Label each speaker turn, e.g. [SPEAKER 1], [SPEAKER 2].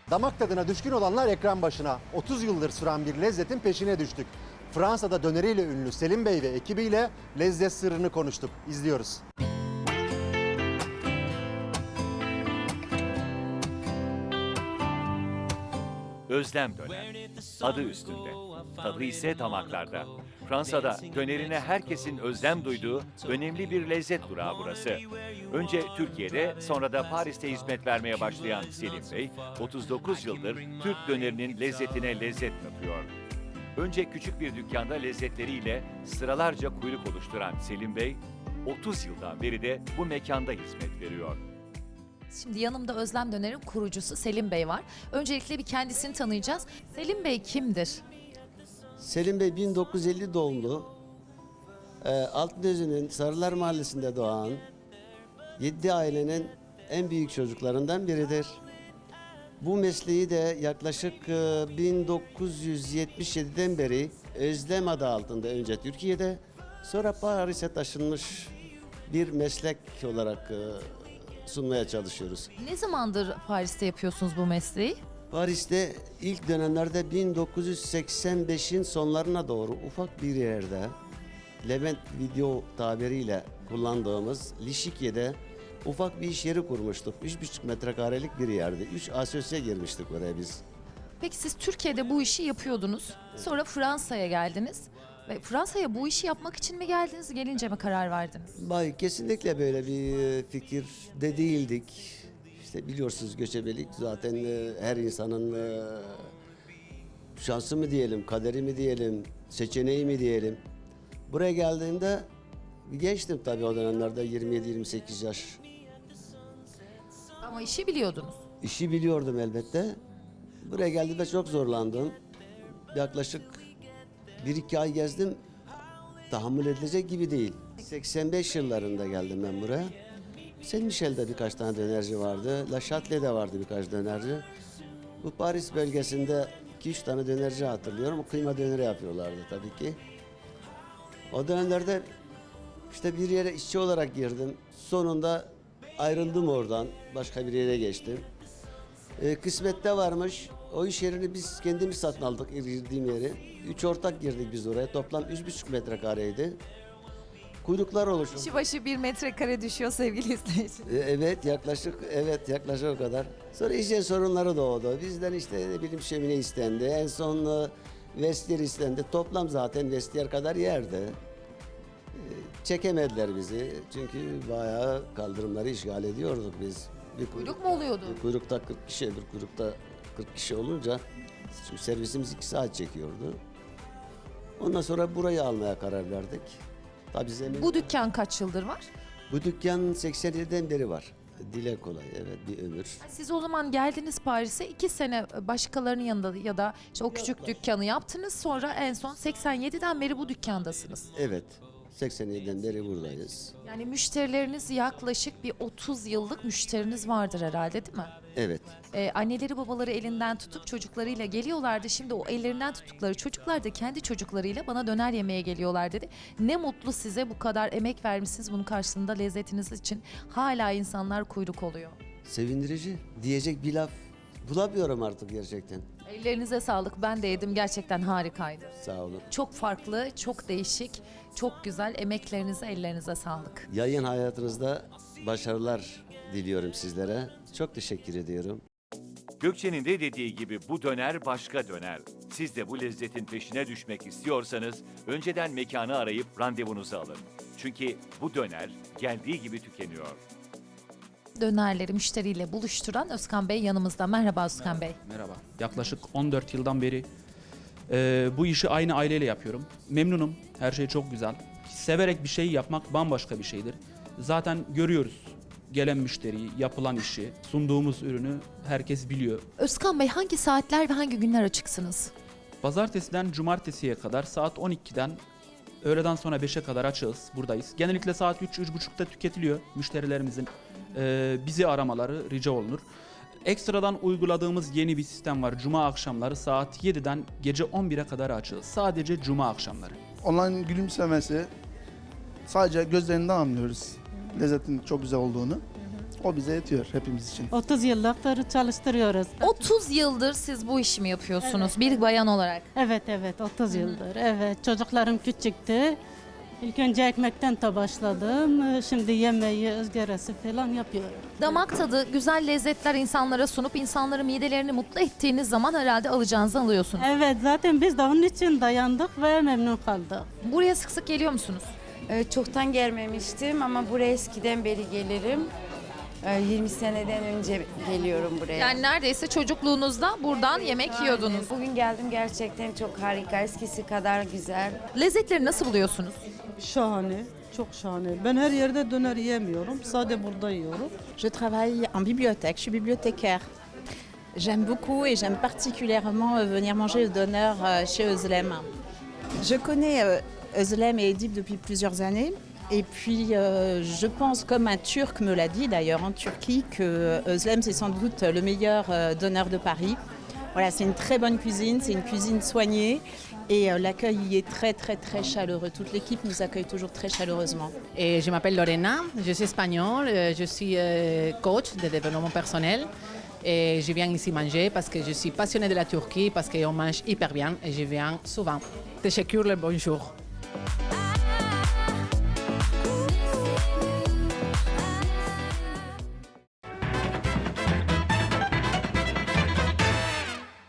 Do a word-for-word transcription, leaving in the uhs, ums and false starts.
[SPEAKER 1] Damak tadına düşkün olanlar ekran başına. otuz yıldır süren bir lezzetin peşine düştük. Fransa'da döneriyle ünlü Selim Bey ve ekibiyle lezzet sırrını konuştuk. İzliyoruz.
[SPEAKER 2] Özlem döner. Adı üstünde. Tadı ise damaklarda. Fransa'da dönerine herkesin özlem duyduğu önemli bir lezzet durağı burası. Önce Türkiye'de, sonra da Paris'te hizmet vermeye başlayan Selim Bey, otuz dokuz yıldır Türk dönerinin lezzetine lezzet katıyor. Önce küçük bir dükkanda lezzetleriyle sıralarca kuyruk oluşturan Selim Bey, otuz yıldan beri de bu mekanda hizmet veriyor.
[SPEAKER 3] Şimdi yanımda Özlem Döner'in kurucusu Selim Bey var. Öncelikle bir kendisini tanıyacağız. Selim Bey kimdir?
[SPEAKER 4] Selim Bey bin dokuz yüz elli doğumlu. E, Altınözü'nün Sarılar Mahallesi'nde doğan yedi ailenin en büyük çocuklarından biridir. Bu mesleği de yaklaşık e, bin dokuz yüz yetmiş yediden beri Özlem adı altında önce Türkiye'de, sonra Paris'e taşınmış bir meslek olarak e, sunmaya çalışıyoruz.
[SPEAKER 3] Ne zamandır Paris'te yapıyorsunuz bu mesleği?
[SPEAKER 4] Paris'te ilk dönemlerde bin dokuz yüz seksen beşin sonlarına doğru ufak bir yerde, Levent video tabiriyle kullandığımız Lişikye'de ufak bir iş yeri kurmuştuk. üç buçuk metrekarelik bir yerde. Üç asosya girmiştik oraya biz.
[SPEAKER 3] Peki siz Türkiye'de bu işi yapıyordunuz. Sonra Fransa'ya geldiniz. Ve Fransa'ya bu işi yapmak için mi geldiniz, gelince mi karar verdiniz?
[SPEAKER 4] Bay kesinlikle böyle bir fikir de değildik. İşte biliyorsunuz göçebelik zaten e, her insanın e, şansı mı diyelim, kaderi mi diyelim, seçeneği mi diyelim. Buraya geldiğimde gençtim tabii o dönemlerde, yirmi yedi yirmi sekiz yaş.
[SPEAKER 3] Ama işi biliyordunuz.
[SPEAKER 4] İşi biliyordum elbette. Buraya geldiğimde çok zorlandım. Yaklaşık bir iki ay gezdim. Tahammül edilecek gibi değil. seksen beş yıllarında geldim ben buraya. Saint Michel'de birkaç tane dönerci vardı. La Châtelet'de vardı birkaç dönerci. Bu Paris bölgesinde iki üç tane dönerci hatırlıyorum. Kıyma döneri yapıyorlardı tabii ki. O dönemlerde işte bir yere işçi olarak girdim. Sonunda ayrıldım oradan. Başka bir yere geçtim. Ee, kısmette varmış. O iş yerini biz kendimiz satın aldık, girdiğim yeri. Üç ortak girdik biz oraya. Toplam üç buçuk metrekareydi. Kuyruklar oluştu.
[SPEAKER 3] Kişi başı bir metrekare düşüyor sevgili izleyiciler.
[SPEAKER 4] Ee, Evet yaklaşık evet yaklaşık o kadar. Sonra hijyen sorunları doğdu. Bizden işte ne bileyim şömine istendi. En son e, vestiyer istendi. Toplam zaten vestiyer kadar yerdi. Ee, Çekemediler bizi. Çünkü bayağı kaldırımları işgal ediyorduk biz. Bir
[SPEAKER 3] Kuyruk mu oluyordu?
[SPEAKER 4] Bir kuyrukta kırk kişi, bir kuyrukta kırk kişi olunca çünkü servisimiz iki saat çekiyordu. Ondan sonra burayı almaya karar verdik. Tabii zemin...
[SPEAKER 3] Bu dükkan kaç yıldır var?
[SPEAKER 4] Bu dükkan seksen yediden beri var. Dile kolay, evet, bir ömür.
[SPEAKER 3] Siz o zaman geldiniz Paris'e, iki sene başkalarının yanında ya da işte o küçük dükkanı yaptınız. Sonra en son seksen yediden beri bu dükkandasınız.
[SPEAKER 4] Evet, seksen yediden beri buradayız.
[SPEAKER 3] Yani müşterileriniz yaklaşık bir otuz yıllık müşteriniz vardır herhalde, değil mi?
[SPEAKER 4] Evet,
[SPEAKER 3] Ee, anneleri babaları elinden tutup çocuklarıyla geliyorlardı. Şimdi o ellerinden tuttukları çocuklar da kendi çocuklarıyla bana döner yemeye geliyorlar dedi. Ne mutlu size, bu kadar emek vermişsiniz, bunun karşılığında lezzetiniz için hala insanlar kuyruk oluyor.
[SPEAKER 4] sevindirici. Diyecek bir laf bulamıyorum artık gerçekten.
[SPEAKER 3] Ellerinize sağlık, ben de yedim, gerçekten harikaydı.
[SPEAKER 4] Sağ olun.
[SPEAKER 3] Çok farklı, çok değişik, çok güzel, emeklerinize, ellerinize sağlık.
[SPEAKER 4] Yayın hayatınızda başarılar diliyorum sizlere. Çok teşekkür ediyorum.
[SPEAKER 2] Gökçe'nin de dediği gibi bu döner başka döner. Siz de bu lezzetin peşine düşmek istiyorsanız önceden mekanı arayıp randevunuzu alın. Çünkü bu döner geldiği gibi tükeniyor.
[SPEAKER 3] Dönerleri müşteriyle buluşturan Özkan Bey yanımızda. Merhaba Özkan Bey.
[SPEAKER 5] Merhaba. Yaklaşık on dört yıldan beri e, bu işi aynı aileyle yapıyorum. Memnunum. Her şey çok güzel. Severek bir şey yapmak bambaşka bir şeydir. Zaten görüyoruz gelen müşteriyi, yapılan işi, sunduğumuz ürünü herkes biliyor.
[SPEAKER 3] Özkan Bey, hangi saatler ve hangi günler açıksınız?
[SPEAKER 5] Pazartesiden cumartesiye kadar saat on ikiden öğleden sonra beşe kadar açığız, buradayız. Genellikle saat üç üç buçukta tüketiliyor. Müşterilerimizin e, bizi aramaları rica olunur. Ekstradan uyguladığımız yeni bir sistem var. Cuma akşamları saat yediden gece on bire kadar açığız. Sadece cuma akşamları.
[SPEAKER 6] Onların gülümsemesi, sadece gözlerinden anlıyoruz lezzetin çok güzel olduğunu. O bize yetiyor hepimiz için.
[SPEAKER 7] otuz yıllıktır çalıştırıyoruz.
[SPEAKER 3] otuz yıldır siz bu işi mi yapıyorsunuz bir bayan olarak?
[SPEAKER 7] Evet evet otuz yıldır. Evet çocuklarım küçüktü. İlk önce ekmekten de başladım. Şimdi yemeği, ızgarası falan yapıyorum.
[SPEAKER 3] Damak tadı, güzel lezzetler insanlara sunup insanların midelerini mutlu ettiğiniz zaman herhalde alacağınızı alıyorsunuz.
[SPEAKER 7] Evet zaten biz de onun için dayandık ve memnun kaldık.
[SPEAKER 3] Buraya sık sık geliyor musunuz?
[SPEAKER 8] Ee, Çoktan gelmemiştim ama buraya eskiden beri gelirim. Ee, yirmi seneden önce geliyorum buraya.
[SPEAKER 3] Yani neredeyse çocukluğunuzda buradan yemek yiyordunuz.
[SPEAKER 8] Bugün geldim, gerçekten çok harika, eskisi kadar güzel.
[SPEAKER 3] Lezzetleri nasıl buluyorsunuz?
[SPEAKER 9] Şahane, çok şahane. Ben her yerde döner yiyemiyorum, sadece burada yiyorum.
[SPEAKER 10] Je travaille en bibliothèque, je suis bibliothécaire. J'aime beaucoup et j'aime particulièrement euh, venir manger le donneur euh, chez Özlem. Je connais euh, Özlem et Edip depuis plusieurs années. Et puis, euh, je pense, comme un Turc me l'a dit d'ailleurs en Turquie, que Özlem, c'est sans doute le meilleur euh, donneur de Paris. Voilà, c'est une très bonne cuisine, c'est une cuisine soignée et euh, l'accueil y est très, très, très chaleureux. Toute l'équipe nous accueille toujours très chaleureusement.
[SPEAKER 11] Et je m'appelle Lorena, je suis espagnole, euh, je suis euh, coach de développement personnel. Et je viens ici manger parce que je suis passionnée de la Turquie, parce qu'on mange hyper bien et je viens souvent. Teşekkürler, bonjour.